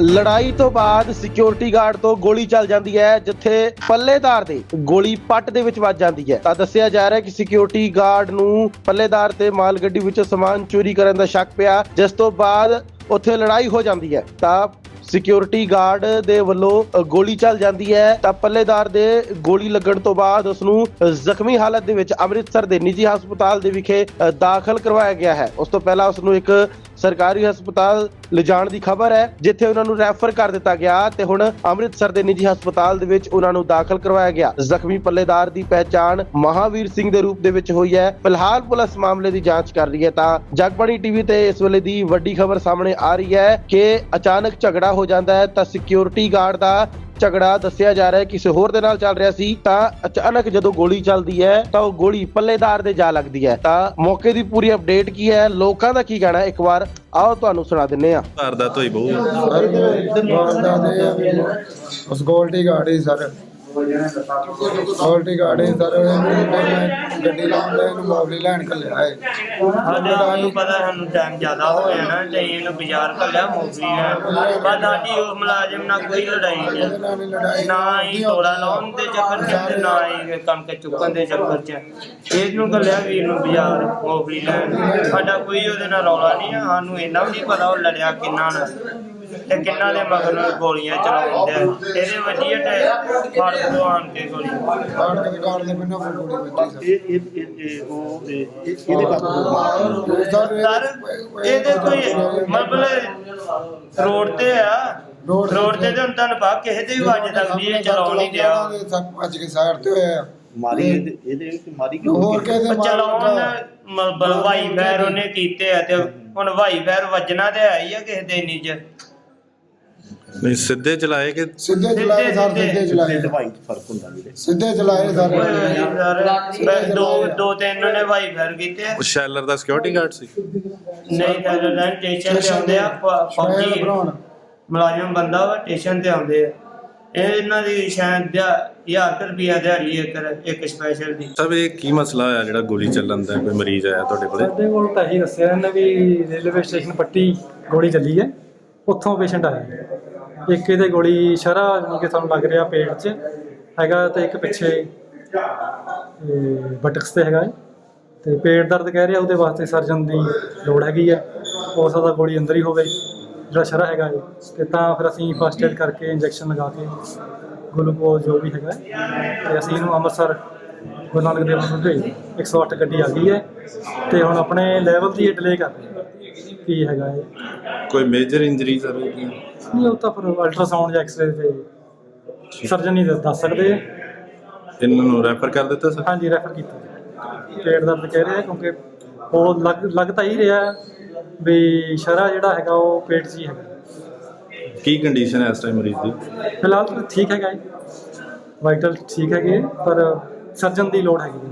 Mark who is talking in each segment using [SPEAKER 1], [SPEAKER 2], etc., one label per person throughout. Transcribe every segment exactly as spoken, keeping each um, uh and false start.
[SPEAKER 1] ਲੜਾਈ ਤੋਂ ਬਾਅਦ ਸਿਕਿਉਰਿਟੀ ਗਾਰਡ ਤੋਂ ਗੋਲੀ ਚੱਲ ਜਾਂਦੀ ਹੈ, ਜਿੱਥੇ ਪੱਲੇਦਾਰ ਦੇ ਗੋਲੀ ਪੱਟ ਦੇ ਵਿੱਚ ਵੱਜ ਜਾਂਦੀ ਹੈ। ਤਾਂ ਦੱਸਿਆ ਜਾ ਰਿਹਾ ਕਿ ਸਿਕਿਉਰਿਟੀ ਗਾਰਡ ਨੂੰ ਪੱਲੇਦਾਰ ਤੇ ਮਾਲ ਗੱਡੀ ਵਿੱਚੋਂ ਸਮਾਨ ਚੋਰੀ ਕਰਨ ਦਾ ਸ਼ੱਕ ਪਿਆ, ਜਿਸ ਤੋਂ ਬਾਅਦ ਉੱਥੇ ਲੜਾਈ ਹੋ ਜਾਂਦੀ ਹੈ। ਤਾਂ ਸਿਕਿਉਰਿਟੀ ਗਾਰਡ ਦੇ ਵੱਲੋਂ ਗੋਲੀ ਚੱਲ ਜਾਂਦੀ ਹੈ ਤਾਂ ਪੱਲੇਦਾਰ ਦੇ ਗੋਲੀ ਲੱਗਣ ਤੋਂ ਬਾਅਦ ਉਸ ਨੂੰ ਜ਼ਖਮੀ ਹਾਲਤ ਦੇ ਵਿੱਚ ਅੰਮ੍ਰਿਤਸਰ ਦੇ ਨਿੱਜੀ ਹਸਪਤਾਲ ਦੇ ਵਿਖੇ ਦਾਖਲ ਕਰਵਾਇਆ ਗਿਆ ਹੈ। ਉਸ ਤੋਂ ਪਹਿਲਾਂ ਉਸ ਨੂੰ ਇੱਕ ਸਰਕਾਰੀ ਹਸਪਤਾਲ ਲਿਜਾਣ ਦੀ ਖਬਰ ਹੈ, ਜਿੱਥੇ ਉਹਨਾਂ ਨੂੰ ਰੈਫਰ ਕਰ ਦਿੱਤਾ ਗਿਆ ਤੇ ਹੁਣ ਅੰਮ੍ਰਿਤਸਰ ਦੇ ਨਿੱਜੀ ਹਸਪਤਾਲ ਦੇ ਵਿੱਚ ਉਹਨਾਂ ਨੂੰ ਦਾਖਲ ਕਰਵਾਇਆ ਗਿਆ। ਜ਼ਖਮੀ ਪੱਲੇਦਾਰ ਦੀ ਪਹਿਚਾਣ ਮਹਾਵੀਰ ਸਿੰਘ ਦੇ ਰੂਪ ਦੇ ਵਿੱਚ ਹੋਈ ਹੈ। ਫਿਲਹਾਲ ਪੁਲਿਸ ਮਾਮਲੇ ਦੀ ਜਾਂਚ ਕਰ ਰਹੀ ਹੈ। ਤਾਂ ਜਗਬਾਣੀ ਟੀਵੀ ਤੇ ਇਸ ਵੇਲੇ ਦੀ ਵੱਡੀ ਖਬਰ ਸਾਹਮਣੇ ਆ ਰਹੀ ਹੈ ਕਿ ਅਚਾਨਕ ਝਗੜਾ ਹੋ ਜਾਂਦਾ ਹੈ ਤਾਂ ਸਿਕਿਉਰਿਟੀ ਗਾਰਡ ਦਾ ਝਗੜਾ ਦੱਸਿਆ ਜਾ ਰਿਹਾ ਹੈ ਕਿਸੇ ਹੋਰ ਦੇ ਨਾਲ ਚੱਲ ਰਿਹਾ ਸੀ, ਤਾਂ ਅਚਾਨਕ ਜਦੋਂ ਗੋਲੀ ਚੱਲਦੀ ਹੈ ਤਾਂ ਉਹ ਗੋਲੀ ਪੱਲੇਦਾਰ ਦੇ ਜਾ ਲੱਗਦੀ ਹੈ। ਤਾਂ ਮੌਕੇ ਦੀ ਪੂਰੀ ਅਪਡੇਟ ਕੀ ਹੈ, ਲੋਕਾਂ ਦਾ ਕੀ ਕਹਿਣਾ ਹੈ, ਇੱਕ ਵਾਰ ਆਓ ਤੁਹਾਨੂੰ ਸੁਣਾ ਦਿੰਨੇ ਆ।
[SPEAKER 2] ਵਾਰਦਾਤ ਹੋਈ ਬਹੁ
[SPEAKER 3] ਉਸ ਗੋਲਡੀ ਗਾੜੀ ਸਰ ਗੋਲਡੀ ਗਾੜੀ ਸਰ ਗੱਡੀ ਲਾਉਂਦੇ ਇਹਨੂੰ ਮੌਲੀ ਲੈਣ ਕੱਲਿਆ ਹੈ।
[SPEAKER 4] ਸਾਡੇ ਸਾਨੂੰ ਪਤਾ ਸਾਨੂੰ ਟਾਈਮ ਜ਼ਿਆਦਾ ਹੋ ਜਾਣਾ ਤੇ ਇਹਨੂੰ ਬਾਜ਼ਾਰ ਕੱਲਿਆ ਮੌਲੀ ਲੈਣ, ਪਰ ਸਾਡੀ ਉਹ ਮੁਲਾਜ਼ਮ ਨਾਲ ਕੋਈ ਲੜਾਈ ਨਹੀਂ, ਨਾ ਹੀ ਤੋੜਾ ਲਾਉਣ ਦੇ ਚੱਕਰ ਚ ਤੇ ਨਾ ਹੀ ਕਣਕ ਚੁੱਕਣ ਦੇ ਚੱਕਰ ਚ ਇਹਨੂੰ ਕੱਲਿਆ ਵੀਰ ਨੂੰ ਬਾਜ਼ਾਰ ਮੌਲੀ ਲੈਣ। ਸਾਡਾ ਕੋਈ ਉਹਦੇ ਨਾਲ ਰੌਲਾ ਨਹੀਂ ਆ, ਸਾਨੂੰ ਇੰਨਾ ਵੀ ਨਹੀਂ ਪਤਾ ਉਹ ਲੜਿਆ ਕਿੰਨਾ ਨਾਲ ਤੇ ਕਿੰਨਾ ਦੇ ਮਗਰ ਨੂੰ ਗੋਲੀਆਂ ਚਲਾਉਂਦੇ ਆ। ਇਹਦੇ ਵਧੀਆ ਤੇ ਫੜ ਤੋਂ ਆਣ ਕੇ ਗੋਲੀ
[SPEAKER 3] ਕਾੜ ਕੇ ਕਾੜ ਦੇ ਮੈਨੂੰ ਗੋਲੀ ਵੱਜੀ
[SPEAKER 2] ਇਹ ਇਹ ਇਹ ਉਹ ਇਹਦੇ ਕਾਬੂ
[SPEAKER 4] ਸਰ ਇਹਦੇ ਕੋਈ ਮਤਲਬ ਰੋਡ ਤੇ ਆ, ਰੋਡ ਤੇ ਤੇ ਹੁਣ ਤੁਹਾਨੂੰ ਪਤਾ ਕਿਸੇ ਦੇ ਵੀ ਵੱਜ ਸਕਦੀ ਹੈ, ਚਲਾਉਣ ਨਹੀਂ ਦਿਆ
[SPEAKER 3] ਅੱਜ ਕੇ ਸਾਈਡ ਤੇ ਹੋਇਆ
[SPEAKER 2] ਮਾਰੀ ਇਹਦੇ ਵਿੱਚ ਮਾਰੀ ਕਿਉਂ
[SPEAKER 3] ਹੋਰ ਕਿਸੇ
[SPEAKER 4] ਚਲਾਉਣ ਮਤਲਬ ਵਾਈ ਫੈਰ ਉਹਨੇ ਕੀਤੇ ਆ ਤੇ ਹੁਣ ਵਾਈ ਫੈਰ ਵੱਜਣਾ ਤੇ ਹੈ ਹੀ ਆ ਕਿਸੇ ਦੇ ਇੰਨੀ ਚ
[SPEAKER 2] ਨਹੀਂ ਸਿੱਧੇ ਚਲਾਏ ਕਿ
[SPEAKER 3] ਸਿੱਧੇ ਚਲਾਏ ਸਰ ਸਿੱਧੇ ਚਲਾਏ
[SPEAKER 2] ਦਵਾਈ ਫਰਕ ਹੁੰਦਾ ਵੀਰੇ
[SPEAKER 3] ਸਿੱਧੇ ਚਲਾਏ ਸਰ
[SPEAKER 4] ਦੋ ਦੋ ਤਿੰਨ ਨੇ ਵਾਈ ਫੈਰ ਕੀਤੇ ਆ।
[SPEAKER 2] ਉਹ ਸ਼ੈਲਰ ਦਾ ਸਿਕਿਉਰਿਟੀ ਗਾਰਡ ਸੀ।
[SPEAKER 4] ਨਹੀਂ ਤਾਂ ਲੈਣ ਸਟੇਸ਼ਨ ਤੇ ਆਉਂਦੇ ਆ ਫੌਜੀ ਮੁਲਾਜ਼ਮ ਬੰਦਾ ਵਾ ਸਟੇਸ਼ਨ ਤੇ ਆਉਂਦੇ ਆ। ਇਹ ਇਹਨਾਂ ਦੀ ਸ਼ਾਇਦ ਹਜ਼ਾਰ ਰੁਪਈਆ ਦਿਹਾੜੀ ਇੱਕ ਇੱਕ ਸਪੈਸ਼ਲ ਦੀ।
[SPEAKER 2] ਸਭ ਇਹ ਕੀ ਮਸਲਾ ਹੋਇਆ ਜਿਹੜਾ ਗੋਲੀ ਚੱਲਣ ਦਾ? ਕੋਈ ਮਰੀਜ਼ ਆਇਆ ਤੁਹਾਡੇ ਕੋਲੇ?
[SPEAKER 5] ਸਾਡੇ ਕੋਲ ਤਾਂ ਇਹੀ ਦੱਸਿਆ ਇਹਨਾਂ ਵੀ ਰੇਲਵੇ ਸਟੇਸ਼ਨ ਪੱਟੀ ਗੋਲੀ ਚੱਲੀ ਹੈ, ਉੱਥੋਂ ਪੇਸ਼ੈਂਟ ਆਇਆ। ਇੱਕ ਇਹਦੇ ਗੋਲੀ ਸ਼ਰਾ ਜਾਣੀ ਕਿ ਸਾਨੂੰ ਲੱਗ ਰਿਹਾ ਪੇਟ 'ਚ ਹੈਗਾ ਤੇ ਇੱਕ ਪਿੱਛੇ ਬਟਕਸ ਤੇ ਹੈਗਾ ਤੇ ਪੇਟ ਦਰਦ ਕਹਿ ਰਿਹਾ, ਉਹਦੇ ਵਾਸਤੇ ਸਰਜਨ ਦੀ ਲੋੜ ਹੈਗੀ ਹੈ। ਹੋ ਸਕਦਾ ਗੋਲੀ ਅੰਦਰ ਹੀ ਹੋਵੇ ਜਿਹੜਾ ਸ਼ਰਾ ਹੈਗਾ ਤੇ ਤਾਂ ਫਿਰ ਅਸੀਂ ਫਸਟ ਏਡ ਕਰਕੇ ਇੰਜੈਕਸ਼ਨ ਲਗਾ ਕੇ ਗਲੂਕੋਜ਼ ਜੋ ਵੀ ਹੈਗਾ ਤੇ ਅਸੀਂ ਇਹਨੂੰ ਅੰਮ੍ਰਿਤਸਰ ਗੁਰੂ ਨਾਨਕ ਦੇਵ ਨੂੰ ਭੇਜ ਇੱਕ ਸੌ ਅੱਠ ਗੱਡੀ ਆ ਗਈ ਹੈ ਤੇ ਹੁਣ ਆਪਣੇ ਲੈਵਲ ਦੀ ਡਿਲੇ ਕਰ ਰਹੇ ਕੀ ਹੈਗਾ ਇਹ।
[SPEAKER 2] ਕੋਈ ਮੇਜਰ ਇੰਜਰੀ ਸਰ ਹੋਈ?
[SPEAKER 5] ਨਹੀਂ ਉਹ ਤਾਂ ਫਿਰ ਅਲਟਰਾਸਾਊਂਡ ਜਾਂ ਐਕਸਰੇ ਤੇ ਸਰਜਨ ਹੀ ਦੱਸ ਸਕਦੇ ਆ।
[SPEAKER 2] ਇਹਨਾਂ ਨੂੰ ਰੈਫਰ ਕਰ ਦਿੱਤਾ ਸਰ?
[SPEAKER 5] ਹਾਂਜੀ ਰੈਫਰ ਕੀਤਾ। ਪੇਟ ਦਰਦ ਕਹਿ ਰਹੇ ਆ ਕਿਉਂਕਿ ਉਹ ਲੱਗ ਲੱਗ ਤਾਂ ਹੀ ਰਿਹਾ ਵੀ ਸ਼ਰਾ ਜਿਹੜਾ ਹੈਗਾ ਉਹ ਪੇਟ 'ਚ ਹੀ ਹੈਗਾ।
[SPEAKER 2] ਕੀ ਕੰਡੀਸ਼ਨ ਹੈ ਇਸ ਟਾਈਮ ਮਰੀਜ਼ ਦੀ?
[SPEAKER 5] ਫਿਲਹਾਲ ਤਾਂ ਠੀਕ ਹੈਗਾ ਜੀ, ਵਾਈਟਲ ਠੀਕ ਹੈਗੇ ਪਰ ਸਰਜਨ ਦੀ ਲੋੜ ਹੈਗੀ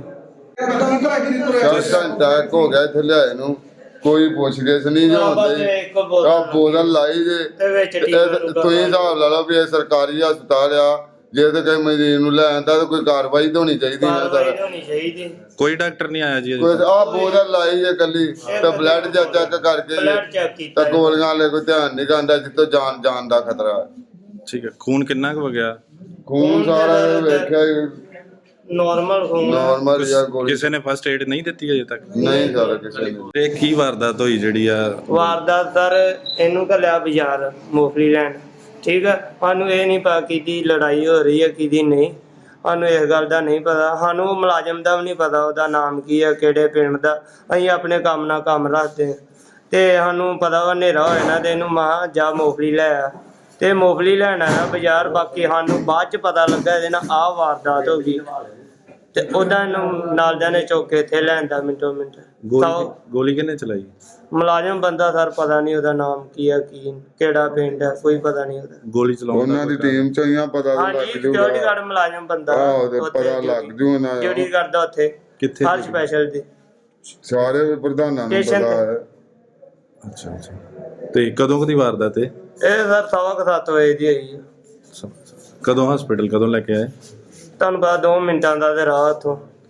[SPEAKER 6] ਚਾਰ ਟੈਕ ਹੋ ਗਿਆ ਇੱਥੇ ਲਿਆਏ ਨੂੰ, ਕੋਈ ਪੁੱਛ-ਗਿੱਛ ਨਹੀਂ ਜੋ ਹੁੰਦੀ। ਆ ਬੋਤਲ ਲਾਈ ਜੇ ਤੁਸੀਂ ਹਿਸਾਬ ਲਾ ਲਓ ਵੀ ਇਹ ਸਰਕਾਰੀ ਹਸਪਤਾਲ ਆ, ਜੇ ਤੇ ਕੋਈ ਮਰੀਜ਼ ਨੂੰ ਲੈ ਆਂਦਾ ਤਾਂ ਕੋਈ ਕਾਰਵਾਈ ਤਾਂ ਹੋਣੀ ਚਾਹੀਦੀ ਨਾ ਸਰ।
[SPEAKER 2] ਕੋਈ ਡਾਕਟਰ ਨਹੀਂ ਆਇਆ ਜੀ?
[SPEAKER 6] ਕੋਈ ਆ ਬੋਤਲ ਲਾਈ ਜੇ ਕੱਲੀ ਤੇ ਬਲੱਡ ਚੈੱਕ ਚੈੱਕ ਕਰਕੇ ਤਾਂ ਗੋਲੀਆਂ ਵਾਲੇ ਕੋਈ ਧਿਆਨ ਨਹੀਂ ਕਰਦਾ, ਜਿੱਤੋਂ ਜਾਨ ਜਾਨ ਦਾ ਖਤਰਾ।
[SPEAKER 2] ਠੀਕ ਹੈ। ਖੂਨ ਕਿੰਨਾ ਕੁ ਵਗਿਆ?
[SPEAKER 6] ਖੂਨ ਸਾਰਾ ਵੇਖਿਆ
[SPEAKER 4] ਨਾਰਮਲ ਖੂਨ
[SPEAKER 6] ਨਾਰਮਲ ਜਾਂ ਗੋਲੀ
[SPEAKER 2] ਕਿਸੇ ਨੇ ਫਸਟ ਏਡ ਨਹੀਂ ਦਿੱਤੀ ਅਜੇ ਤੱਕ?
[SPEAKER 6] ਨਹੀਂ ਸਰ ਕਿਸੇ ਨੇ।
[SPEAKER 2] ਇਹ ਕੀ ਵਾਰਦਾਤ ਹੋਈ ਜਿਹੜੀ ਆ?
[SPEAKER 4] ਵਾਰਦਾਤ ਸਰ ਇਹਨੂੰ ਘੱਲਿਆ ਬਾਜ਼ਾਰ ਮੂੰਗਫਲੀ ਲੈਣ, ਠੀਕ ਆ। ਸਾਨੂੰ ਇਹ ਨਹੀਂ ਪਤਾ ਕਿਹਦੀ ਲੜਾਈ ਹੋ ਰਹੀ ਹੈ ਕਿਹਦੀ ਨਹੀਂ, ਸਾਨੂੰ ਇਸ ਗੱਲ ਦਾ ਨਹੀਂ ਪਤਾ। ਸਾਨੂੰ ਮੁਲਾਜ਼ਮ ਦਾ ਵੀ ਨਹੀਂ ਪਤਾ ਉਹਦਾ ਨਾਮ ਕੀ ਹੈ, ਕਿਹੜੇ ਪਿੰਡ ਦਾ। ਅਸੀਂ ਆਪਣੇ ਕੰਮ ਨਾਲ ਕੰਮ ਰੱਖਦੇ ਤੇ ਸਾਨੂੰ ਪਤਾ ਵਾ ਹਨੇਰਾ ਹੋ ਜਾਣਾ ਤੇ ਇਹਨੂੰ ਮਹਾਂ ਜਾ ਮੂੰਗਫਲੀ ਲੈ ਆ ਤੇ ਮੂੰਗਫਲੀ ਲੈਣ ਆਇਆ ਬਾਜ਼ਾਰ। ਬਾਕੀ ਸਾਨੂੰ ਬਾਅਦ ਚ ਪਤਾ ਲੱਗਾ ਇਹਦੇ ਨਾਲ ਆਹ ਵਾਰਦਾਤ ਹੋ ਗਈ ਤੇ ਉਹਦਾ ਇਹਨੂੰ ਨਾਲਦਿਆਂ ਨੇ ਚੁੱਕ ਕੇ ਇੱਥੇ ਲੈਂਦਾ ਮਿੰਟੋ ਮਿੰਟ।
[SPEAKER 2] ਗੋਲੀ ਕਿਹਨੇ ਚਲਾਈ?
[SPEAKER 4] ਮੁਲਾਜ਼ਮ ਬੰਦਾ ਸਰ ਪਤਾ ਨਹੀਂ ਉਹਦਾ ਨਾਮ ਕੀ ਹੈ, ਕੀ ਕਿਹੜਾ ਪਿੰਡ ਹੈ, ਕੋਈ ਪਤਾ ਨਹੀਂ ਉਹਦਾ।
[SPEAKER 2] ਗੋਲੀ ਚਲਾਉਣ
[SPEAKER 6] ਉਹਨਾਂ ਦੀ ਟੀਮ ਚੋਂ ਹੀ ਆ, ਪਤਾ ਲੱਗ ਜੂਗਾ।
[SPEAKER 4] ਸਿਕਿਉਰਿਟੀ ਗਾਰਡ ਮੁਲਾਜ਼ਮ ਬੰਦਾ
[SPEAKER 6] ਆਹੋ ਤੇ ਪਤਾ ਲੱਗ ਜੂ ਉਹਨਾਂ ਦਾ।
[SPEAKER 4] ਡਿਊਟੀ ਕਰਦਾ ਉੱਥੇ
[SPEAKER 2] ਕਿੱਥੇ?
[SPEAKER 4] ਹਰ ਸਪੈਸ਼ਲ ਦੀ
[SPEAKER 6] ਸਾਰੇ ਪ੍ਰਧਾਨਾਂ ਨੂੰ ਪਤਾ ਹੈ।
[SPEAKER 2] ਅੱਛਾ ਅੱਛਾ। ਤੇ ਕਦੋਂ ਕਦੀ ਵਾਰਦਾਤ? ਇਹ
[SPEAKER 4] ਸਰ ਸਵਾ ਕੁ ਸੱਤ ਵਜੇ ਦੀ ਹੋਈ ਹੈ।
[SPEAKER 2] ਕਦੋਂ ਹਸਪੀਟਲ ਕਦੋਂ ਲੈ ਕੇ ਆਏ?
[SPEAKER 4] ਤੁਹਾਨੂੰ ਪਤਾ ਦੋ ਮਿੰਟਾਂ ਦਾ ਤੇ ਰਾਹ ਉੱਥੋਂ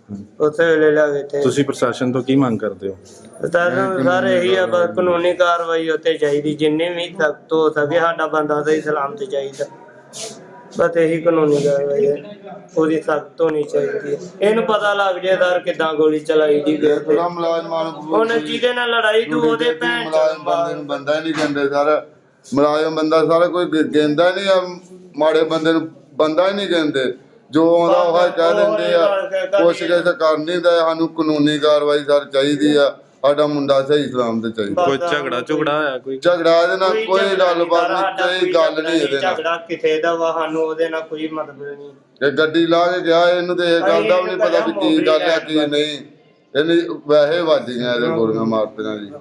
[SPEAKER 4] ਉਸੇ ਵੇਲੇ ਲਿਆ ਕੇ ਇੱਥੇ
[SPEAKER 2] ਤੁਸੀਂ ਪ੍ਰਸ਼ਾਸਨ ਤੋਂ ਕੀ ਮੰਗ ਕਰਦੇ ਹੋ?
[SPEAKER 4] ਸਾਨੂੰ ਸਰ ਇਹੀ ਆ ਬਸ ਕਾਨੂੰਨੀ ਕਾਰਵਾਈ ਉੱਤੇ ਚਾਹੀਦੀ, ਜਿੰਨੀ ਵੀ ਸਖਤ ਹੋ ਸਕੇ ਸਾਡਾ ਬੰਦਾ ਸਹੀ ਸਲਾਮਤ ਚਾਹੀਦਾ। ਬਸ ਇਹੀ ਕਾਨੂੰਨੀ ਕਾਰਵਾਈ ਹੈ, ਉਹਦੀ ਸਖਤ ਹੋਣੀ ਚਾਹੀਦੀ ਹੈ। ਇਹਨੂੰ ਪਤਾ ਲੱਗ ਜੇ ਸਰ ਕਿੱਦਾਂ ਗੋਲੀ ਚਲਾਈ ਦੀ ਗਈ ਤੇ
[SPEAKER 6] ਥੋੜਾ ਮੁਲਾਜ਼ਮਾਂ ਨੂੰ
[SPEAKER 4] ਹੁਣ ਜਿਹਦੇ ਨਾਲ ਲੜਾਈ ਤੂੰ ਉਹਦੇ ਭੈਣ
[SPEAKER 6] ਮੁਲਾਜ਼ਮ ਬੰਦੇ ਨੂੰ ਬੰਦਾ ਹੀ ਨਹੀਂ ਕਹਿੰਦੇ ਸਰ। ਮੁਲਾਜ਼ਮ ਬੰਦਾ ਸਾਰਾ ਕੋਈ ਗ- ਕਹਿੰਦਾ ਨਹੀਂ ਆ, ਮਾੜੇ ਬੰਦੇ ਨੂੰ ਬੰਦਾ ਹੀ ਨਹੀਂ ਕਹਿੰਦੇ। ਜੋ ਆਉਂਦਾ ਉਹ ਹੀ ਕਹਿ ਦਿੰਦੇ ਆ। ਕੋਸ਼ਿਸ਼ ਕਰ ਨਹੀਂ ਦਾ, ਸਾਨੂੰ ਕਾਨੂੰਨੀ ਕਾਰਵਾਈ ਸਰ ਚਾਹੀਦੀ ਆ। ਸਾਡਾ ਮੁੰਡਾ ਸਹੀ ਸਲਾਮ ਤੇ ਚਾਹੀਦਾ।
[SPEAKER 2] ਕੋਈ ਝਗੜਾ ਝੁਗੜਾ ਹੋਇਆ ਕੋਈ?
[SPEAKER 6] ਝਗੜਾ ਇਹਦੇ ਨਾਲ ਕੋਈ ਗੱਲਬਾਤ ਨਹੀਂ, ਕੋਈ ਗੱਲ ਨਹੀਂ ਇਹਦੇ ਨਾਲ।
[SPEAKER 4] ਝਗੜਾ ਕਿਸੇ ਦਾ ਵਾ, ਸਾਨੂੰ ਉਹਦੇ ਨਾਲ ਕੋਈ ਮਤਲਬ ਨਹੀਂ।
[SPEAKER 6] ਇਹ ਗੱਡੀ ਲਾ ਕੇ ਗਿਆ, ਇਹਨੂੰ ਤੇ ਇਹ ਗੱਲ ਦਾ ਵੀ ਨਹੀਂ ਪਤਾ ਵੀ ਕੀ ਗੱਲ ਹੈ ਕੀ ਨਹੀਂ। ਇਹਨੇ ਵੈਸੇ ਵੱਜ ਗਈਆਂ ਇਹਦੇ ਗੋਲੀਆਂ ਮਾਰਤੀਆਂ ਜੀ।